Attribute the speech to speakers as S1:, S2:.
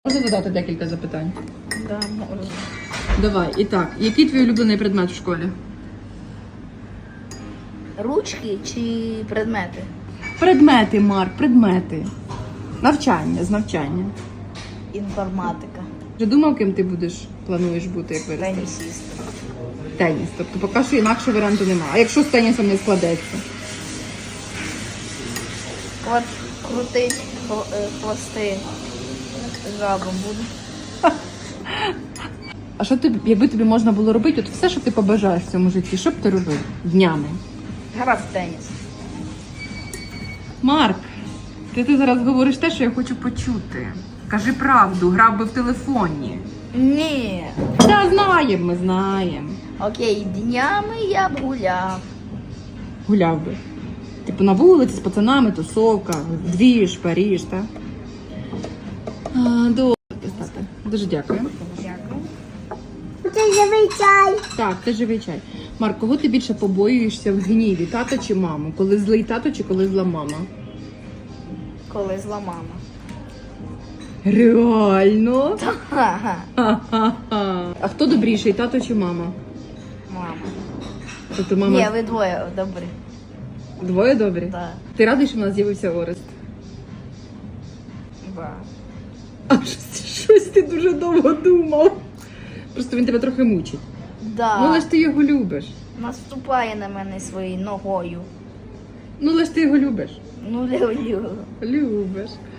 S1: Можна задати декілька запитань?
S2: Да, можна.
S1: Давай. І так, який твій улюблений предмет в школі?
S2: Ручки чи предмети?
S1: Предмети, Марк, предмети. Навчання, з навчання.
S2: Інформатика.
S1: Вже думав, ким ти плануєш бути, як виростеш?
S2: Тенісіст.
S1: Теніс. Тобто поки що інакше варіанту немає. А якщо з тенісом не складеться?
S2: Крутить хвости жабом буду.
S1: А що ти, якби тобі можна було робити, от все, що ти побажаєш в цьому житті, що б ти робив днями?
S2: Грав в теніс.
S1: Марк, ти зараз говориш те, що я хочу почути. Кажи правду, грав би в телефоні.
S2: Ні.
S1: Та знаємо, ми знаємо.
S2: Окей, днями я б гуляв.
S1: Гуляв би. Типу на вулиці з пацанами, тусовка, двіж, Паріж, так? Добре, тата. Дуже дякую.
S2: Дякую.
S3: Це живий чай.
S1: Так, це живий чай. Марк, кого ти більше побоюєшся в гніві, тата чи маму? Коли злий тато чи коли зла мама?
S2: Коли зла мама.
S1: Реально?
S2: Ха-ха.
S1: Ха-ха-ха. А хто добріший, тато чи мама?
S2: Мама.
S1: Тобто мама
S2: Ні, ви двоє добрі.
S1: двоє добрі?
S2: Да.
S1: Ти радий, що в нас з'явився Орест?
S2: Да.
S1: А щось ти дуже довго думав. Просто він тебе трохи мучить.
S2: Да.
S1: Ну, але ж ти його любиш.
S2: Наступає на мене своєю ногою.
S1: Ну, але ж ти його любиш.
S2: Ну, люблю.
S1: Любиш.